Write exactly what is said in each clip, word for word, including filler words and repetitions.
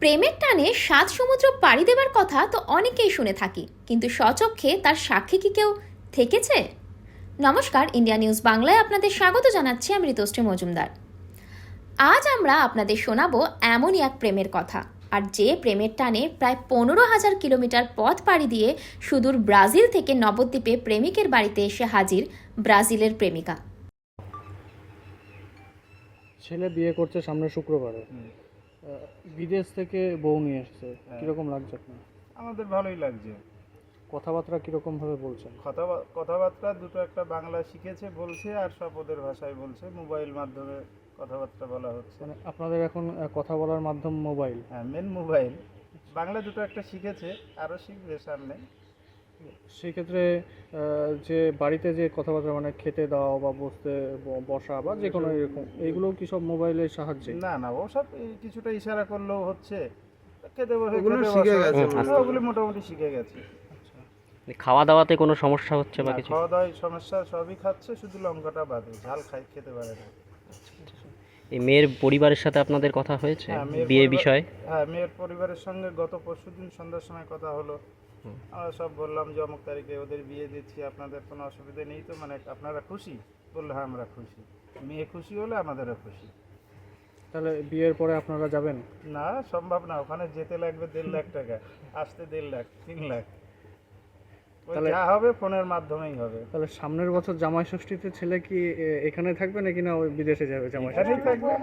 প্রেমের টানে সাত সমুদ্র পাড়ি দেবার কথা তো অনেকেই শুনে থাকি, কিন্তু স্বচক্ষে তার সাক্ষী কি কেউ থেকেছে? নমস্কার, ইন্ডিয়া নিউজ বাংলায় আপনাদের স্বাগত জানাচ্ছি। আমি ঋতুশ্রী মজুমদার। আজ আমরা আপনাদের শোনাবো এমনই এক প্রেমের কথা, আর যে প্রেমের টানে প্রায় পনেরো হাজার কিলোমিটার পথ পাড়ি দিয়ে সুদূর ব্রাজিল থেকে নবদ্বীপে প্রেমিকের বাড়িতে এসে হাজির ব্রাজিলের প্রেমিকা। ছেলে বিয়ে করছে সামনে শুক্রবারে, বিদেশ থেকে বউ নিয়ে এসেছে। কিরকম লাগছে আপনার? আমাদের ভালোই লাগছে। কথাবার্তা কিরকম ভাবে বলছেন? কথা কথাবার্তা দুটো একটা বাংলা শিখেছে বলছে, আর সব ওদের ভাষায় বলছে। মোবাইল মাধ্যমে কথাবার্তা বলা হচ্ছে। মানে আপনাদের এখন কথা বলার মাধ্যম মোবাইল? হ্যাঁ, মেন মোবাইল। বাংলা দুটো একটা শিখেছে, আরও শিখবে সামনে। সেই ক্ষেত্রে যে বাড়িতে যে কথাবার্তা, মানে খেতে দাও বা বসতে বসা বা যে কোনো এরকম, এইগুলো কি সব মোবাইলের সাহায্যে? না না, ও সব কিছুটা ইশারা করলেও হচ্ছে। খেতে বসে ওগুলো খেতে শিখে বসা, গেছে, হ্যাঁ, ওগুলো মোটামুটি শিখে গেছে। খাওয়া দাওয়াতে কোনো সমস্যা হচ্ছে বা না, কিছু? খাওয়া দাওয়ায় সমস্যা সবই খাচ্ছে, শুধু লঙ্কাটা বাদে। ঝাল খাই খেতে পারে না। এই মেয়ের পরিবারের সাথে আপনাদের কথা হয়েছে হ্যাঁ, মেয়ের বিয়ে পরিবার- বিষয়ে? হ্যাঁ, মেয়ের পরিবারের সঙ্গে গত পরশুদিন সন্ধ্যার সময় কথা হলো। আমরা সব বললাম যে অমুক তারিখে ওদের বিয়ে দিচ্ছি, আপনাদের কোনো অসুবিধা নেই তো? মানে আপনারা খুশি? বললো হ্যাঁ, আমরা খুশি। মেয়ে খুশি হলে আমাদেরও খুশি। তাহলে বিয়ের পরে আপনারা যাবেন? না, সম্ভব না। ওখানে যেতে লাগবে দেড় লাখ টাকা, আসতে দেড় লাখ, তিন লাখ। ওই তাহলে- যা হবে ফোনের মাধ্যমেই হবে। তাহলে সামনের বছর জামাই ষষ্ঠীতে ছেলে কি এ, এখানে থাকবে নাকি না ওই বিদেশে যাবে জামাই এখানেই ষষ্ঠী? থাকবে।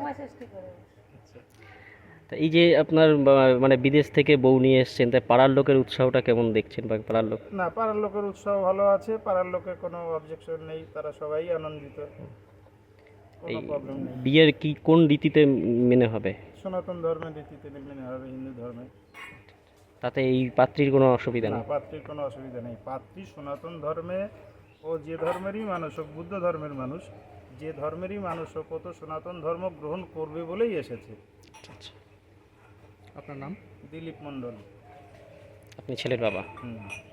তা এই যে আপনার বা- মানে বিদেশ থেকে বউ নিয়ে এসছেন, তাই পাড়ার লোকের উৎসাহটা কেমন দেখছেন? বা পাড়ার লোক না, পাড়ার লোকের উৎসাহ ভালো আছে। পাড়ার লোকের কোনো অবজেকশন নেই, তারা সবাই আনন্দিত, এই কোনো প্রবলেম নেই। বিয়ের কি কোন রীতিতে মেনে হবে? সনাতন ধর্মের রীতিতে মেনে হবে, হিন্দু ধর্মে। তাতে এই পাত্রীর কোনো অসুবিধা না, নেই? পাত্রীর কোনো অসুবিধা নেই। পাত্রী সনাতন ধর্মে, ও যে ধর্মেরই মানুষ হোক, বুদ্ধ ধর্মের মানুষ, যে ধর্মেরই মানুষ হোক, ও তো সনাতন ধর্ম গ্রহণ করবে বলেই এসেছে। আচ্ছা, আপনার নাম? দিলীপ মণ্ডল। আপনি ছেলের বাবা? হুম।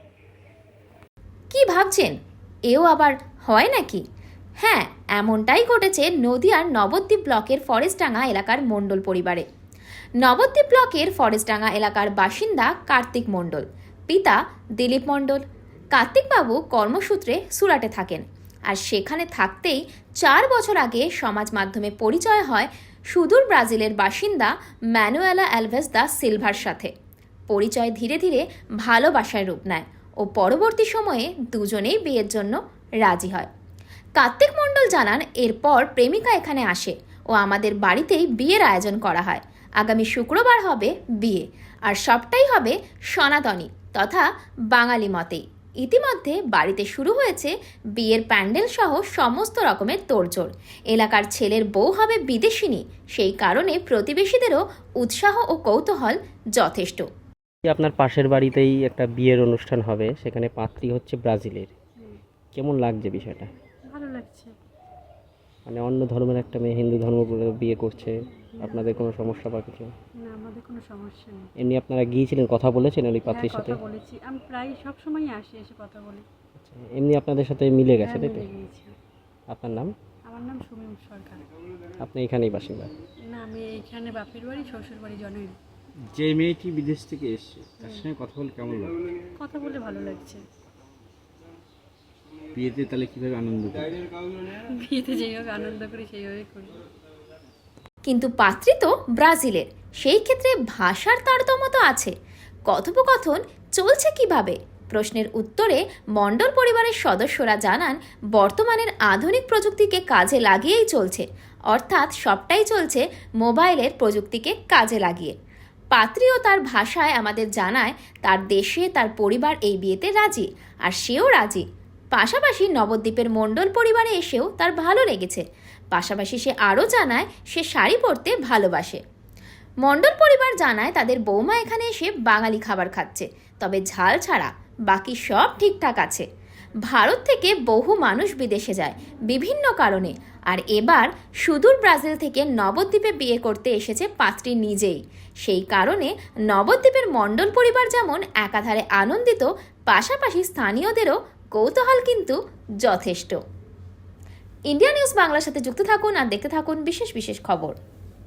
কি ভাবছেন, এও আবার হয় নাকি? হ্যাঁ, এমনটাই ঘটেছে নদিয়ার নবদ্বীপ ব্লকের ফরেস্টডাঙ্গা এলাকার মণ্ডল পরিবারে। নবদ্বীপ ব্লকের ফরেস্টডাঙ্গা এলাকার বাসিন্দা কার্তিক মণ্ডল, পিতা দিলীপ মণ্ডল। কার্তিকবাবু কর্মসূত্রে সুরাটে থাকেন, আর সেখানে থাকতেই চার বছর আগে সমাজ মাধ্যমে পরিচয় হয় সুদূর ব্রাজিলের বাসিন্দা ম্যানুয়েলা অ্যালভেস দা সিলভার সাথে। পরিচয় ধীরে ধীরে ভালোবাসায় রূপ নেয় ও পরবর্তী সময়ে দুজনেই বিয়ের জন্য রাজি হয়। কার্তিক মণ্ডল জানান, এরপর প্রেমিকা এখানে আসে ও আমাদের বাড়িতেই বিয়ের আয়োজন করা হয়। আগামী শুক্রবার হবে বিয়ে, আর সবটাই হবে সনাতনী তথা বাঙালি মতেই। ইতিমধ্যে বাড়িতে শুরু হয়েছে বিয়ের প্যান্ডেল সহ সমস্ত রকমের তোড়জোড়। এলাকার ছেলের বউ হবে বিদেশিনী, সেই কারণে প্রতিবেশীদেরও উৎসাহ ও কৌতূহল যথেষ্ট। আপনার পাশের বাড়িতেই একটা বিয়ের অনুষ্ঠান হবে, সেখানে পাত্রী হচ্ছে ব্রাজিলের। কেমন লাগছে বিষয়টা? ভালো লাগছে। মানে অন্য ধর্মের একটা মেয়ে হিন্দু ধর্ম বলে বিয়ে করছে, আপনাদের কোনো সমস্যা বা কিছু? না, আমাদের কোনো সমস্যা নেই। এমনি আপনারা গিয়েছিলেন, কথা বলেছেন ওই হ্যাঁ, পাত্রীর সাথে? কথা বলেছি। আমি প্রায় সব সময় আসি, এসে কথা বলি। এমনি আপনাদের সাথে মিলে গেছে, হ্যাঁ, তাই তো? মিলে গিয়েছি। আপনার নাম? আমার নাম সুমিম সরকার। আপনি এখানেই বাসিন্দা? না, আমি এইখানে বাপের বাড়ি, শ্বশুর বাড়ি জনই। যে মেয়েটি বিদেশ থেকে এসছে তার সঙ্গে কথা বলে কেমন লাগে? কথা বলে ভালো লাগছে। বিয়েতে তাহলে কিভাবে আনন্দ করে? বিয়েতে যেইভাবে আনন্দ করি সেইভাবে করি। কিন্তু পাত্রী তো ব্রাজিলের, সেই ক্ষেত্রে ভাষার তারতম্য তো আছে। কথোপকথন চলছে কিভাবে? প্রশ্নের উত্তরে মণ্ডল পরিবারের সদস্যরা জানান, বর্তমানের আধুনিক প্রযুক্তিকে কাজে লাগিয়েই চলছে, অর্থাৎ সবটাই চলছে মোবাইলের প্রযুক্তিকে কাজে লাগিয়ে। পাত্রীও তার ভাষায় আমাদের জানায় তার দেশে তার পরিবার এই বিয়েতে রাজি, আর সেও রাজি। পাশাপাশি নবদ্বীপের মণ্ডল পরিবারে এসেও তার ভালো লেগেছে। পাশাপাশি সে আরও জানায় সে শাড়ি পরতে ভালোবাসে। মণ্ডল পরিবার জানায় তাদের বৌমা এখানে এসে বাঙালি খাবার খাচ্ছে, তবে ঝাল ছাড়া বাকি সব ঠিকঠাক আছে। ভারত থেকে বহু মানুষ বিদেশে যায় বিভিন্ন কারণে, আর এবার সুদূর ব্রাজিল থেকে নবদ্বীপে বিয়ে করতে এসেছে পাত্রী নিজেই। সেই কারণে নবদ্বীপের মণ্ডল পরিবার যেমন একাধারে আনন্দিত, পাশাপাশি স্থানীয়দেরও কৌতূহল কিন্তু যথেষ্ট। ইন্ডিয়া নিউজ বাংলার সাথে যুক্ত থাকুন আর দেখতে থাকুন বিশেষ বিশেষ খবর।